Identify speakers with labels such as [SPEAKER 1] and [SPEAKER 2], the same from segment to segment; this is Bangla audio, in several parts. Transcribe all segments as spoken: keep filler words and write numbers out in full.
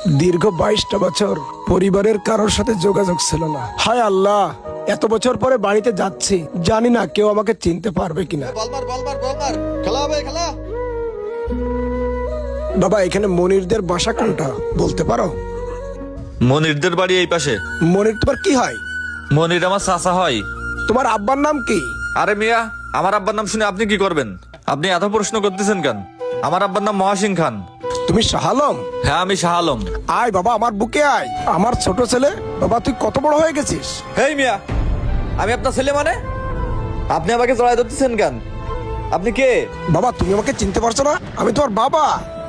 [SPEAKER 1] দীর্ঘ বাইশটা বছর পরিবারের কারোর সাথে যোগাযোগ ছিল না। হায় আল্লাহ, এত বছর পরে বাড়িতে যাচ্ছি, জানি না কেউ আমাকে চিনতে পারবে কিনা। বাবা, এখানে মনিরদের বাসা কোনটা বলতে পারো?
[SPEAKER 2] মনিরদের বাড়ি এই পাশে।
[SPEAKER 1] মনির তোমার কি হয়?
[SPEAKER 2] মনির আমার চাচা হয়।
[SPEAKER 1] তোমার আব্বার নাম কি?
[SPEAKER 2] আরে মিয়া, আমার আব্বার নাম শুনে আপনি কি করবেন? আপনি এত প্রশ্ন করতেছেন কেন? আমার আব্বার নাম মহাসিং খান।
[SPEAKER 1] তুমি শাহ আলম?
[SPEAKER 2] হ্যাঁ, আমি শাহ আলম।
[SPEAKER 1] আয় বাবা, আমার বুকে আয়। আমার ছোট ছেলে। বাবা, তুই কত বড় হয়ে গেছিস?
[SPEAKER 2] হেই মিয়া, আমি আপনার ছেলে মানে? আপনি আমাকে জড়াই ধরতেছেন কেন? আপনি কে?
[SPEAKER 1] বাবা, তুমি আমাকে চিনতে পারছো না? আমি তোমার বাবা।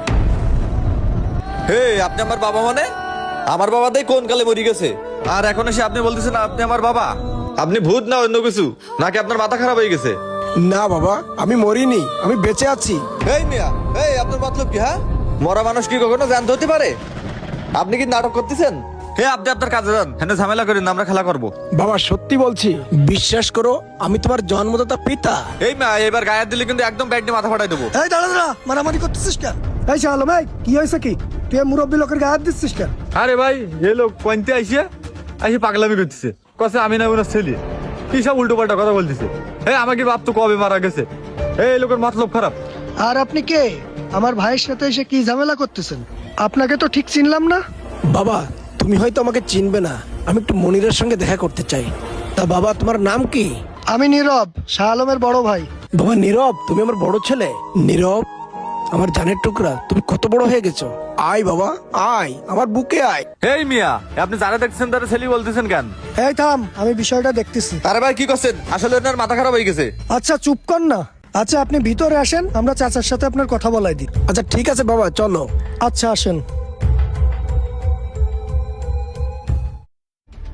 [SPEAKER 2] হে, আপনি আমার বাবা মানে? আমার বাবা তাই কোন কালে মরি গেছে, আর এখন এসে আপনি বলতেছেন আপনি আমার বাবা? আপনি ভূত না অন্য কিছু, নাকি আপনার মাথা খারাপ হয়ে গেছে?
[SPEAKER 1] না বাবা, আমি মরিনি, আমি বেঁচে আছি।
[SPEAKER 2] এই মিয়া, এই আপনার মতলব কি? হ্যাঁ, মরা মানুষ কি কখনো জ্যান্ত হতে পারে? আপনি কি নাটক করতেছেন? হে, আপনি আপনার কাজে যান, হ্যাঁ ঝামেলা করেন না, আমরা খেলা করবো।
[SPEAKER 1] বাবা, সত্যি বলছি, বিশ্বাস করো, আমি তোমার জন্মদাতা পিতা।
[SPEAKER 2] এই মিয়া, এবার গায়ে হাত দিলে কিন্তু একদম ব্যাগ নিয়ে মাথা ফাটাই দেবো।
[SPEAKER 3] এই দাঁড়া দাঁড়া, মারামারি করতেছিস কেন? এই শাহ আলম, এই কি হয়েছে কি? তুই মুরব্বী লোকের গায়ে হাত দিচ্ছিস কেন?
[SPEAKER 2] আরে ভাই, এ লোক পয়েন্টে আইসে আইসে পাগলামি করতেছে, কছে আমি না ওনার ছেলে, কি সব উল্টো পাল্টা কথা বলতেছে। এই আমাকে বাপ তো কবে মারা গেছে। এই লোকের মতলব খারাপ।
[SPEAKER 3] আর আপনি কে? আমার ভাইয়ের সাথে এসে কি ঝামেলা করতেছেন? আপনাকে তো ঠিক চিনলাম না।
[SPEAKER 1] বাবা, তুমি হয়তো আমাকে চিনবে না, আমি একটু মনিরের সঙ্গে দেখা করতে চাই। তা বাবা, তোমার নাম কি?
[SPEAKER 3] আমি নীরব, শাহ আলমের বড় ভাই।
[SPEAKER 1] বাবা নীরব, তুমি আমার বড় ছেলে। নীরব, আমার জানের টুকরা, তুমি কত বড় হয়ে গেছো। আয় বাবা, আয় আমার বুকে আয়।
[SPEAKER 2] এই মিয়া, আপনি যারা দেখছেন তারা ছেলে বলতেছেন কেন?
[SPEAKER 3] এই থাম, আমি বিষয়টা দেখতেছি।
[SPEAKER 2] আরে ভাই কি করছেন? আসলে ওনার মাথা খারাপ হয়ে গেছে।
[SPEAKER 3] আচ্ছা চুপ কর না। আচ্ছা আপনি ভিতরে আসেন, আমরা চাচার সাথে আপনার কথা বলাই দিই।
[SPEAKER 1] আচ্ছা ঠিক আছে বাবা, চলো।
[SPEAKER 3] আচ্ছা আসেন।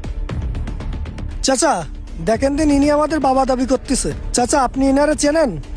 [SPEAKER 3] চাচা দেখেন দিন, ইনি আমাদের বাবা দাবি করতেছে। চাচা, আপনি ইনারে চেনেন?